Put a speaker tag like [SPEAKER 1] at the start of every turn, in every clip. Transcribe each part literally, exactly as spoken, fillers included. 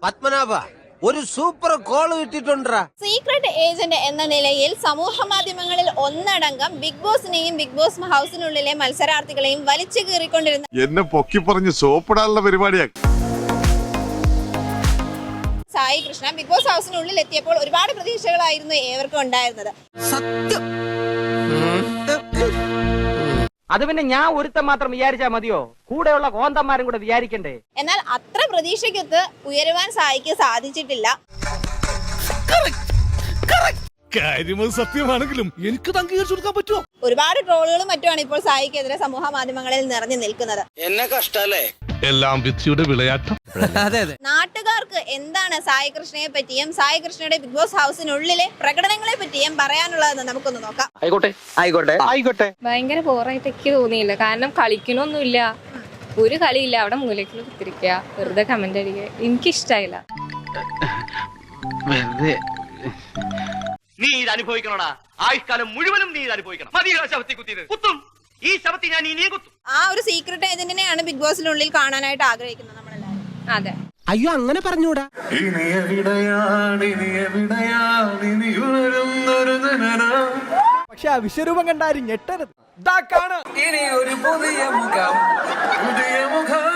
[SPEAKER 1] പത്മനാഭ ഒരു super call കിട്ടിട്ടുണ്ടാ.
[SPEAKER 2] Secret agent എന്ന നിലയിൽ സമൂഹ മാധ്യമങ്ങളിൽ ഒന്നടങ്കം ബിഗ് ബോസിനെയും ബിഗ് ബോസ് ഹൗസിനുള്ളിലെ മത്സരാർത്ഥികളെയും വലിച്ചു കീറിക്കൊണ്ടിരുന്ന
[SPEAKER 3] എന്നെ പൊക്കി പറഞ്ഞ് സോപ്പിടാനുള്ള പരിപാടിയാ
[SPEAKER 2] സായി കൃഷ്ണ ബിഗ് ബോസ് ഹൗസിനുള്ളിൽ എത്തിയപ്പോൾ ഒരുപാട് പ്രതീക്ഷകളായിരുന്നു ഏവർക്കും ഉണ്ടായിരുന്നത്.
[SPEAKER 1] സത്യം.
[SPEAKER 4] അത് പിന്നെ ഞാൻ ഒരുത്തം മാത്രം വിചാരിച്ചാ മതിയോ? കൂടെയുള്ള കോന്തന്മാരും കൂടെ വിചാരിക്കണ്ടേ?
[SPEAKER 2] എന്നാൽ അത്ര പ്രതീക്ഷയ്ക്കൊത്ത് ഉയരുവാൻ സായിക്ക് സാധിച്ചിട്ടില്ല.
[SPEAKER 5] സത്യമാണെങ്കിലും എനിക്ക് അംഗീകരിച്ചു കൊടുക്കാൻ പറ്റുമോ?
[SPEAKER 2] ഒരുപാട് ട്രോളുകളും മറ്റുമാണ് ഇപ്പോൾ സായിക്കെതിരെ സമൂഹ മാധ്യമങ്ങളിൽ നിറഞ്ഞു നിൽക്കുന്നത്.
[SPEAKER 1] എന്നെ കഷ്ടല്ലേ?
[SPEAKER 5] എല്ലാം വിധിയുടെ വിളയാട്ടം.
[SPEAKER 1] അതെ അതെ.
[SPEAKER 2] നാട്ടുകാർക്ക് എന്താണ് സായി കൃഷ്ണയെ പറ്റിയും സായി കൃഷ്ണയുടെ ബിഗ് ബോസ് ഹൗസിനുള്ളിലെ പ്രകടനങ്ങളെ പറ്റിയും പറയാനുള്ളതെന്ന് നമുക്കൊന്ന് നോക്കാം.
[SPEAKER 4] ആയിക്കോട്ടെ ആയിക്കോട്ടെ ആയിക്കോട്ടെ.
[SPEAKER 6] ഭയങ്കര ബോറായിട്ട് എനിക്ക് തോന്നിയില്ല. കാരണം കളിക്കണമൊന്നുമില്ല, ഒരു കളിയില്ല. അവിടെ മൂലക്കിൽ കുത്തിരിക്കുക, വെറുതെ കമന്റ് അടിക്കുക. എനിക്കിഷ്ടായില്ല.
[SPEAKER 4] നീ ഇത് അനുഭവിക്കണോടാ. ആയുഷ്കാലം മുഴുവനും നീ ഇത് അനുഭവിക്കണം. മതിയോ ശവത്തി കുത്തിയത്? കുത്തും. ഈ ശവത്തി ഞാൻ ഇനിയും കുത്തും.
[SPEAKER 2] ആ ഒരു സീക്രട്ട് ഏജന്റിനെയാണ് ബിഗ് ബോസിനുള്ളിൽ കാണാനായിട്ട് ആഗ്രഹിക്കുന്നത് നമ്മളെല്ലാവരും.
[SPEAKER 6] അതെ.
[SPEAKER 1] അയ്യോ അങ്ങനെ പറഞ്ഞൂടാ.
[SPEAKER 7] പക്ഷെ ആ വിശ്വരൂപം കണ്ടാരും ഞെട്ടരുത്.
[SPEAKER 1] ഇനി ഒരു പുതിയ മുഖം പുതിയ മുഖം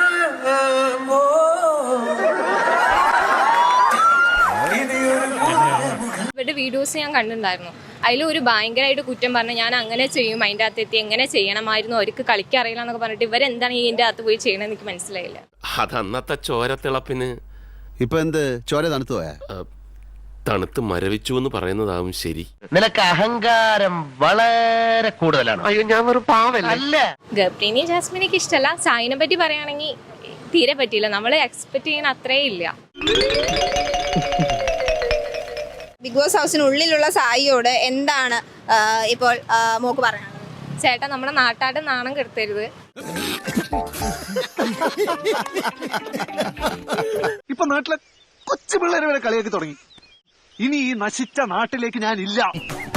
[SPEAKER 6] ഇവരുടെ വീഡിയോസ് ഞാൻ കണ്ടിട്ടുണ്ടായിരുന്നു. അതിൽ ഒരു ഭയങ്കരമായിട്ട് കുറ്റം പറഞ്ഞ് ഞാൻ അങ്ങനെ ചെയ്യും, അതിൻ്റെ അകത്ത് എത്തി എങ്ങനെ ചെയ്യണമായിരുന്നു, അവർക്ക് കളിക്കാൻ അറിയില്ല എന്നൊക്കെ പറഞ്ഞിട്ട് ഇവരെന്താണ് ഈ ഇതിൻ്റെ അകത്ത് പോയി ചെയ്യണമെന്ന് എനിക്ക് മനസ്സിലായില്ല.
[SPEAKER 8] അത് അന്നത്തെ ചോരത്തിളപ്പിന്
[SPEAKER 9] ഇപ്പൊ എന്ത് ചോര തണുത്തു പോയാ?
[SPEAKER 8] തണുത്ത് മരവിച്ചു എന്ന് പറയുന്നതാവും ശരി.
[SPEAKER 4] നിനക്ക് അഹങ്കാരം വളരെ കൂടുതലാണ്.
[SPEAKER 8] അയ്യോ ഞാൻ ഒരു പാവല്ല.
[SPEAKER 4] അല്ല,
[SPEAKER 6] ഗബ്രീനി ജാസ്മിനൊക്കെ ഇഷ്ടമല്ല. സായിനെ പറ്റി പറയുകയാണെങ്കിൽ തീരെ പറ്റിയില്ല. നമ്മൾ എക്സ്പെക്ട് ചെയ്യുന്ന അത്രേ ഇല്ല.
[SPEAKER 2] ബിഗ് ബോസ് ഹൗസിനുള്ളിലുള്ള സായിയോട് എന്താണ് ഇപ്പോൾ മോക്ക് പറയാനുള്ളത്?
[SPEAKER 6] ചേട്ടാ, നമ്മുടെ നാട്ടാരുടെ നാണം കെടുത്തരുത്.
[SPEAKER 5] ഇപ്പൊ നാട്ടിലെ കൊച്ചു പിള്ളേരെ വരെ കളിയാക്കി തുടങ്ങി. ഇനി ഈ നശിച്ച നാട്ടിലേക്ക് ഞാൻ ഇല്ല.